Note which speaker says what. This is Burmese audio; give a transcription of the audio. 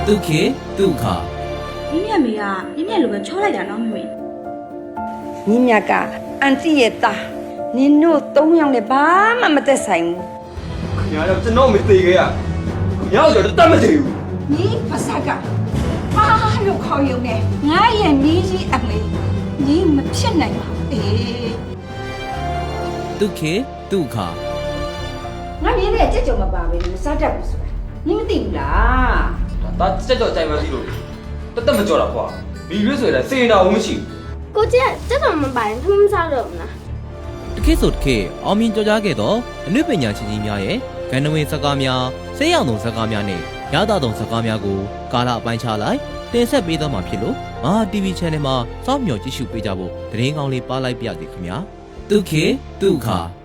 Speaker 1: ဒုက္ခေဒုက္ခ
Speaker 2: မြင့်မြတ်မေကမြင့်မြတ်လိုပဲချောလိုက်တာနော်မမေ
Speaker 3: ညီမြတ်ကအန်တီရဲ့သားနင်တို့၃ယောက်နဲ့ဘာမှမသက်ဆိုင်ဘူး
Speaker 4: ခင်ဗျားတို့ကျွန်တော်မသေးခဲ့ရခင်ဗျားတို့တတ်မသေးဘူး
Speaker 3: ညီပါစကဘာလို့ခေါ်ရုံနဲ့ငါရဲ့ညီကြီးအမေညီမဖြစ်နိုင်ပါဘူးအေး
Speaker 1: ဒုက္ခေဒုက္ခ
Speaker 3: ငါမြင်တဲ့ကြက်ကြုံမပါပဲမစားတတ်ဘူးဆိုတာညီမသိဘူးလား
Speaker 4: ဒါစက်တော့ကြိုင်မှသိလို့တက်မကြောတာကွာဘီရွေးဆိုရင်စေရင်တော်မရှိ
Speaker 5: ကိုကျက်တက်တော်မပိုင်ထမင်းစားတော့မလား
Speaker 1: တခေဆိုတခေအောင်မြင်ကြော်ကြားခဲ့သောအနုပညာရှင်ကြီးများရဲ့ဂန္ဓဝင်စကားများဆေးရောင်သုံးစကားများနဲ့ရသသုံးစကားများကိုကာလအပိုင်းခြားလိုက်တင်ဆက်ပေးသွားမှာဖြစ်လို့မဟာ TV Channel မှာစောင့်မျှော်ကြည့်ရှုပေးကြဖို့သတင်းကောင်းလေးပါလိုက်ပါရစေခင်ဗျာဒုက္ခေဒုက္ခ